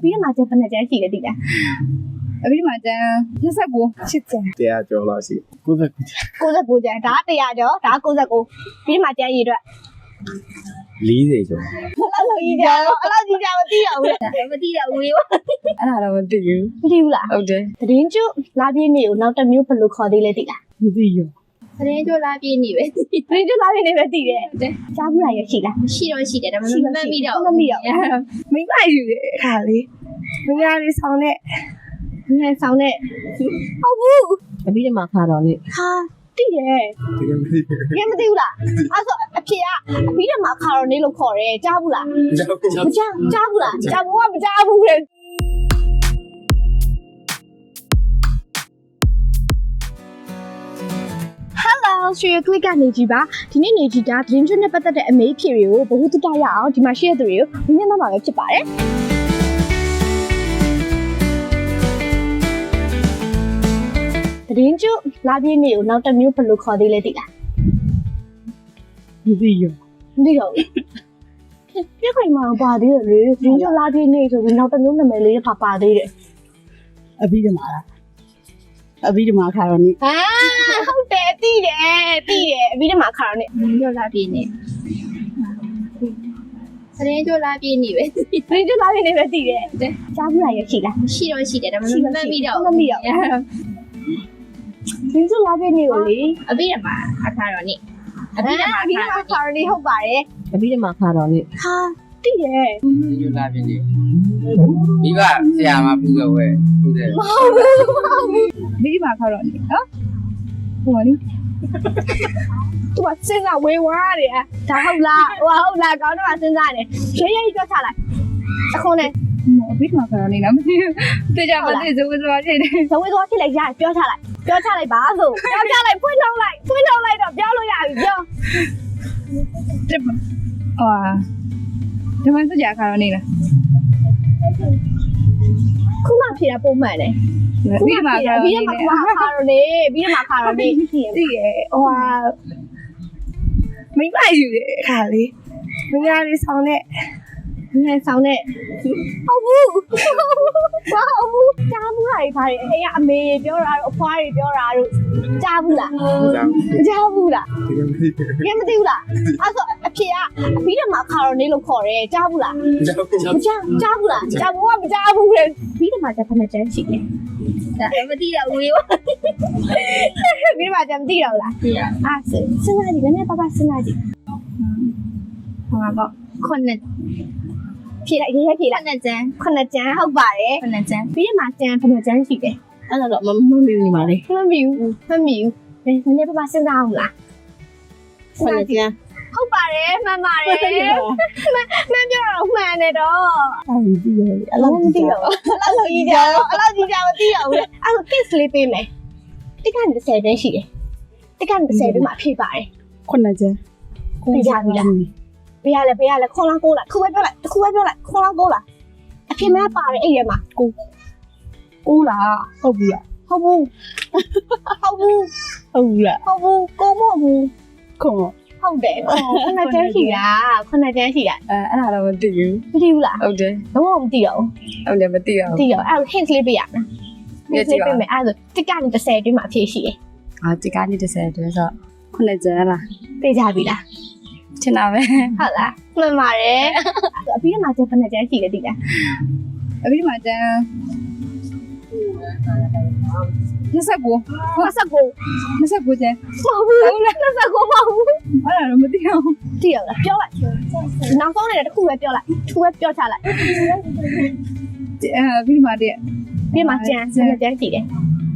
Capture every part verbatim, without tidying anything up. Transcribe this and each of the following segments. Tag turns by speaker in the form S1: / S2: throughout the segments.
S1: ပြီးတော့မှကျန်ဘယ်နှကျန်ရှိလဲတိလားအပြီးမှကျန်နှစ်ဆက်ကိုရှစ်ကျန်
S2: တရားကျော်လောက်ရှိ
S1: ကိုးဆယ်ကိုကျန်ဒါတရားကျော်ဒါကိုးဆယ်ကိုပြီးမှကျန်ရည်အတွက်
S2: လေးဆယ်ကျော်
S1: အဲ့လိုကြီးကြတော့အဲ့လိုကြီးကြမသိရဘူးလေမသိရဘူးလေ
S3: အဲ့ဒါတော့မသိဘူး
S1: မသိဘူးလား
S3: ဟုတ်တယ်
S1: သတင်းကျလာပြည့်နေကိုနောက်တစ်မျိုးဘယ်လိုခေါ်သေးလဲတိလား
S3: မသိရော
S1: သတင်းကျလာပြည့်နေပဲသတင်းကျလာပြည့်နေပဲသိတယ်ကြားဘူးလားရရှိလား
S4: ရှိတော့ရှိတယ်ဒါပေမဲ့မမိတော့
S1: မမိတော့
S3: မိမယူတယ်ခါလေးမင်းသားလေးဆောင်တဲ့
S1: ငယ်ဆောင်တဲ့ဟုတ်ဘူး
S3: အပြီးတမှာခါတော့လေ
S1: ဟာတိတယ်
S2: တကယ်မသိဘူး
S1: တကယ်မသိဘူးလားအဲ့ဆိုအဖေကအပြီးတော့မှခါတော့နေလို့ခေါ်တယ်ကြားဘူးလားမကြားကြားဘူးလားကြားဘူးကမကြားဘူးလေဆွေကလစ်ကနေကြည့်ပါဒီနေ့နေကြည့်တာဒင်းကျွန်းနဲ့ပတ်သက်တဲ့အမေးဖြေတွေကိုဘ ഹു တုတရအောင်ဒီမှာရှိတဲ့သူတွေကိုညညတော့မှာပဲဖြစ်ပါတယ်ဒင်းကျွန်းလာပြည့်နေကိုနောက်တစ်မျိုးဘယ်လိုခေါ်သေးလဲသိလား
S3: မသိရော
S1: မသိတော့ပြခိုင်မှာပါသေးတယ်လေဒင်းကျွန်းလာပြည့်နေဆိုပြီးနောက်တစ်မျိုးနာမည်လေးပါပါသေးတယ်
S3: အပြီးတမှာလားအပြီးတမှာခါတော့နေ
S1: ဟာဟုတ်တယ်သိတယ်သိတယ်အပြီးတမှာခါတော့နေ
S4: ကြောလာပြည့်နေသတင်းကြောလာပြည့်နေပဲ
S1: သတင်းကြောလာပြည့်နေပဲသိတယ်ကြားဘူးလားရရှိလား
S4: ရှိတော့ရှိတယ်ဒါပေမဲ့မမိတော့
S1: မမိတော့သတင်းကြောလာပြည့်နေကိုလေ
S4: အပြီးရမှာအခါတော့နေ
S1: အပြီးတမှာခါတော့နေဟုတ်ပါတယ်
S3: အပြီးတမှာခါတော့နေ
S1: ဟာသိတယ်
S2: ဒီလိုလာပြင်းနေမိဘဆရာမပူတော့ဝဲပူတယ်
S1: မဟုတ်ဘူးမဟုတ်ဘူး
S3: မိဘခါတော့နေနော်ဟိုလေ
S1: သူကစဉ်းစားဝေဝါးတယ်ဒါဟုတ်လားဟိုဟုတ်လားကောင်းတော့စဉ်းစားတယ်ရေးရေးကြောက်ချလိုက်အခုနဲ့
S3: အပြီးမှာခါတော့နေနော်မသိဘူးတေချာမသိဇဝေဇဝါဖြစ်တယ်
S1: ဇဝေဇဝါဖြစ်လိုက်ရပြောချလိုက်ပြောချလိုက်ပါဆိုပြောချလိုက်ဖွင့်ထုတ်လိုက်ဖွင့်ထုတ်လိုက်တော့ပြောလို့ရပြီပြော
S3: တက်ဟာဒီမှာစကြခါတော့နေလား
S1: ခုမှဖြေတာပုံမှန်တယ်
S3: ပြီးမှခါ
S1: ပြီးမှခါတော့နေပြီးမှခါတော့နေ
S3: သိရဟိုဟာမိမယူတယ်ခါလေးမင်းသားလေးဆောင်တဲ့
S1: ငယ်ဆောင်တဲ့ဟုတ်ဘူးဘာဟုတ်ဘူးကြားဘူးလားခါလေးအေးအမေပြောတာတို့အဖွားတွေပြောတာတို့ကြားဘူးလားကြားဘူးလား
S2: တကယ်မသိဘူး
S1: တကယ်မသိဘူးလားအဲ့ဆိုအဖေကအပြီးတော့မှခါတော့နေလို့ခေါ်တယ်ကြားဘူးလားကြားကြားဘူးလားကြားဘူးကမကြားဘူးလေပြီးတော့မှကျန်ဘယ်နှကျန်ရှိလဲ
S4: ဒါမသိတော့ဘူးရော
S1: ပြီးတော့မှကျန်မသိတော့လား
S4: သိရ
S1: အဲ့ဆိုစဉ်းစားကြည့်လည်းပါပါစဉ်းစားကြည့်ဟောတော့
S4: ခုနှစ်
S1: ဖြေလိုက်ရေးရေးဖြေလိုက်
S4: ခုနှစ်ကျန်
S1: ခုနှစ်ကျန်ဟုတ်ပါတယ်
S4: ခုနှစ်ကျန်
S1: ပြီးတော့မှကျန်ဘယ်နှကျန်ရှိလဲ
S3: အဲ့တော့မမမီဘူးညီမလေး
S1: မမီဘူးမမီဘူးနည်းနည်းပါပါစဉ်းစားအောင်လား
S3: ခုနှစ်ကျန်
S1: ဟုတ်ပါတယ်မှန်ပါတယ်မှန်ပြောတော့မှန်တယ်တော့
S3: အဲ့ဒီသိရတယ်
S1: အဲ့လိုမသိတော့အဲ့လိုကြီးကြတော့အဲ့လိုကြီးကြမသိရဘူးလေအဲ့လို kiss လေးပေးမယ်တစ်ကနေတစ်ဆယ်တန်းရှိတယ်တစ်ကနေတစ်ဆယ်တန်းမှာဖြည့်ပါတယ်
S3: ခုနှစ်ကျန်
S1: ပြကြပြီလားဘယ်ရလဲဘယ်ရလဲခေါ်လာကိုလာခုပဲပြောလိုက်ခုပဲပြောလိုက်ခေါ်လာကိုလာအဖေမပါတယ်အဲ့ရမှာ
S3: ကိုကိုလားဟုတ်ဘူးလား
S1: ဟုတ်ဘူးဟုတ်ဘူး
S3: ဟုတ်ဘူးလား
S1: ဟုတ်ဘူးကိုမဟုတ်ဘူး
S3: ခေါ်
S1: ဟုတ်တယ်ခုနကျန်းရှိတာခုနကျန်းရှိတာ
S3: အဲအဲ့ဒါတော့မသိဘူး
S1: မသိဘူးလား
S3: ဟုတ်တယ်
S1: တော့မသိတော့
S3: ဟုတ်တယ်မသိတော့
S1: သိတော့အဲ့ hint လေးပေးရမယ် hint လေးပေးမယ်အဲ့ဒါတစ်ကနေတစ်ဆယ်အတွင်းမှာဖြည့်ရှိတယ်
S3: ဟာတစ်ကနေတစ်ဆယ်အတွင်းဆိုခုနှစ်ကျန်လား
S1: သိကြပြီလား
S3: ချင်တာပဲ
S1: ဟုတ်လားမှန်ပါတယ်အပြီးတော့မှကျန်ဘယ်နှကျန်းရှိလဲသိလား
S3: အပြီးမှကျန်နှစ်ဆက်ကို
S1: နှစ်ဆက်ကို
S3: နှစ်ဆက်ကိုကျန်
S1: မဟုတ်ဘူးနှစ်ဆက်ကိုမဟုတ်ဘူး
S3: အဲ့ဒါတော့မသိအောင်
S1: သိရလားပြောလိုက်နောက်ဆုံးနေတဲ့တစ်ခုပဲပြောလိုက်တစ်ခုပဲပြောချလိုက်
S3: အဲပြီးမှတည်း
S1: ပြီးမှကျန်ဘယ်နှကျန်းရှိလဲ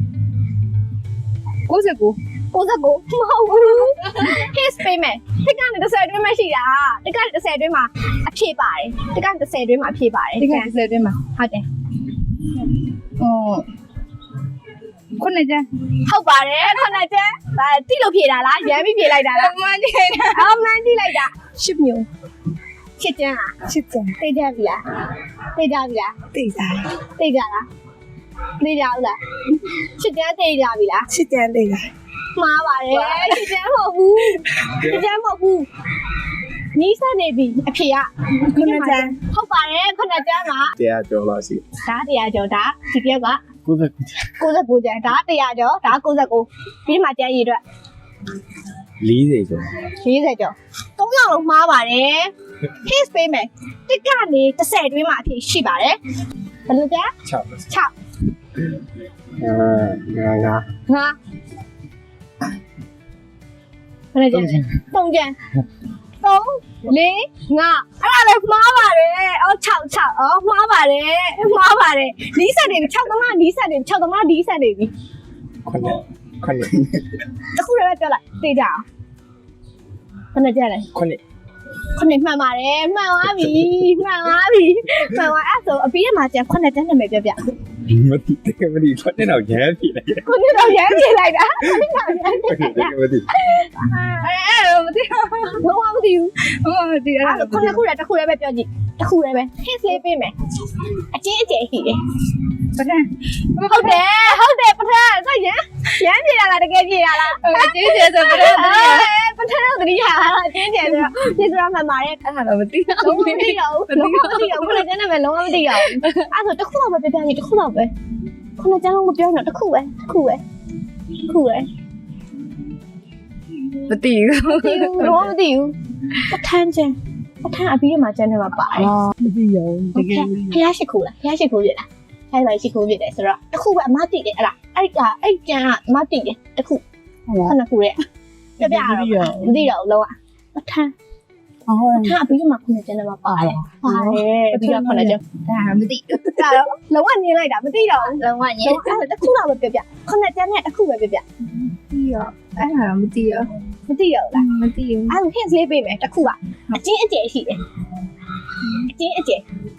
S3: ကိုစကို
S1: ကိုစကိုမဟုတ်ဘူး his payment တစ်ကနေတစ်ဆယ်အတွင်းမှာရှိတာတစ်ကနေတစ်ဆယ်အတွင်းမှာအဖြည့်ပါတယ်တစ်ကနေတစ်ဆယ်အတွင်းမှာအဖြည့်ပါတယ်
S3: တစ်ကနေတစ်ဆယ်အတွင်းမှာ
S1: ဟုတ်တယ်
S3: ဟိုခုနှစ်ကျန်
S1: ဟုတ်ပါတယ်ခုနှစ်ကျန်ဗာတိလို့ဖြေတာလားရမ်းပြီးဖြေလိုက်တာလား
S3: မှန်ကြည့်တာ
S1: အော်မှန်ကြည့်လိုက်တာ
S3: ရှစ်မျိုး
S1: ရှစ်ကျန်လား
S3: ရှစ်ကျန်
S1: သိကြပြီလားသိကြပြီလား
S3: သိကြတယ်
S1: သိကြလားသိကြဘူးလားရှစ်ကျန်သိကြပြီလား
S3: ရှစ်ကျန်သိကြ
S1: မှားပါတယ်ရှစ်ကျန်မဟုတ်ဘူးရှစ်ကျန်မဟုတ်ဘူးနီးစပ်နေပြီအဖေကခုနကျန်းဟုတ်ပါတယ်ခုနကျန်းက
S5: တရားကျော်လို့ရှိ
S1: ဒါတရားကျော်ဒါဒီပြောက်က
S5: ကိုယ်က
S1: ၉၉ကျန်းဒါတရားကျော်ဒါ၉၉ပြီးမှကျန်းရည်အတွက်
S5: ၄၀ကျော်
S1: ၄၀ကျော်၃ယောက်လုံးမှားပါတယ် case ပေးမယ်တစ်ကနေ၁၀တွင်းမှာအဖြစ်ရှိပါတယ်ဘယ်လိုကျန်း
S5: 6
S1: ၆
S5: အဲငါငါ
S1: ငါဘယ်လိုကျန်း၃ကျန်း၃လေးငါအဲ့ဒါလည်းမှားပါတယ်အော်၆၆အော်မှားပါတယ်မှားပါတယ်နီးစက်နေပြီ၆သမားနီးစက်နေ၆သမားနီးစက်နေပြီ
S5: ခွနဲ့ခွနဲ့
S1: တခုလည်းပြောလိုက်သိကြအောင်ဘယ်နဲ့ကြလဲ
S5: ခွနဲ့
S1: ခုနှစ်မှန်ပါတယ်မှန်သွားပြီမှန်သွားပြီမှန်သွားအဲ့ဆိုအပီးရမှာကျန်ခုနှစ်တန်းနာမည်ပြောပြ
S5: မတိတကယ်မတိခွနဲ့တော့ရမ်းပြီလေ
S1: ခုနှစ်တော့ရမ်းပြေးလိုက်တာခုနှစ်တော့ရမ်းပြေးလိုက်တာ
S5: တကယ်မတိ
S3: အဲ့တော့မသိဘူး
S1: ဘာမှမသိဘူး
S3: ဟောမသိအဲ့
S1: အဲ့
S3: ဒါ
S1: ခုနှစ်ခုလည်းတစ်ခုလည်းပဲပြောကြည့်တစ်ခုလည်းပဲ hit လေးပေးမယ်အချင်းအကျယ်ရှိတယ်
S3: ပထမ
S1: ဟုတ်တယ်ဟုတ်တယ်ပထမဆိုရမ်းရမ်းပြေးလာလားတကယ်ပြေးလာလား
S3: အကျေးကျေးဆိုပထမ
S1: ပထမတော့တတိယအချင်းကျယ်ဆိုတော့ပြေးစရာမှန်ပါတယ်
S3: အဲ့ဒါတော့မသိဘူး
S1: လုံးဝမသိရဘူးလုံးဝမသိရဘူးခုနှစ်ကျန်းနာမည်လုံးဝမသိရဘူးအဲ့ဆိုတစ်ခုတော့ပဲပြောပြကြည့်တစ်ခုတော့ပဲခုနှစ်ကျန်းလုံးမပြောတော့တစ်ခုပဲတစ်ခုပဲတစ်ခုပဲ
S3: မသိဘူး
S1: မသိဘူးတော့မသိဘူးပထန်းကျန်းပထန်းအပြီးမှာကျန်းထဲမှာပါတယ်
S3: မသိရောတကယ်
S1: ဖျားရှိခိုးလားဖျားရှိခိုးပြလားဖျားပါရှိခိုးပြတယ်ဆိုတော့တစ်ခုပဲအမတိတယ်အဲ့ဒါအဲ့ကအဲ့ကျန်းကအမတိတယ်တစ်ခုခုနှစ်ခုရဲ့ပြပြတော့မသိတော့လုံးဝပထန်း
S3: ဟော
S1: ပထန်းအပြီးမှာခုနှစ်ကျန်းထဲမှာပါတယ်ပါတယ်ပြီးတော့ခုနှစ်ကျန်း
S4: ဒါမသိ
S1: ဒါတော့လုံးဝညင်းလိုက်တာမသိတော့ဘူး
S4: လုံးဝည
S1: လုံးဝအဲ့တစ်ခုတော့ပဲပြပြခုနှစ်ကျန်းနဲ့တစ်ခုပဲပြပြ
S4: ပြီးရောအဲ့ဒါတော့မသိရော
S1: မသိတော့လား
S4: မသိဘူး
S1: အဲ့ဒါ hint လေးပေးမယ်တစ်ခုကအချင်းအကျယ်ရှိတယ်အချင်းအကျယ်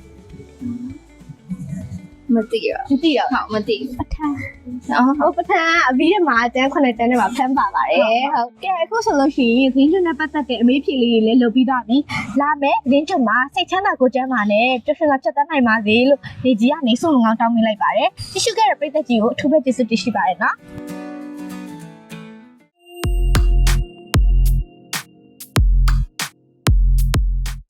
S4: မသိရော
S1: မသိတော့
S4: ဟုတ်မသိဘူး
S1: ပထန်း
S4: အော်
S1: ဟုတ်ပထန်းအပြီးမှာကျန်းခုနှစ်ကျန်းနဲ့မှာဖမ်းပါပါတယ်ဟုတ်ကဲအခုဆိုလို့ရှိရင်သင်းကျွန်းနဲ့ပတ်သက်တဲ့အမေးဖြေလေးတွေလည်းလုပ်ပြီးသွားပြီလာမယ်သင်းကျွန်းမှာစိတ်ချမ်းသာကိုကျန်းမာနဲ့ပျော်ရွှင်စွာဖြတ်သန်းနိုင်ပါစေလို့နေကြီးကနေဆုံးလုံငောင်းတောင်းပေးလိုက်ပါတယ်တ िश ူခဲ့တဲ့ပြည်သက်ကြီးကိုအထူးပဲကျေးဇူးတင်ရှိပါတယ်နော်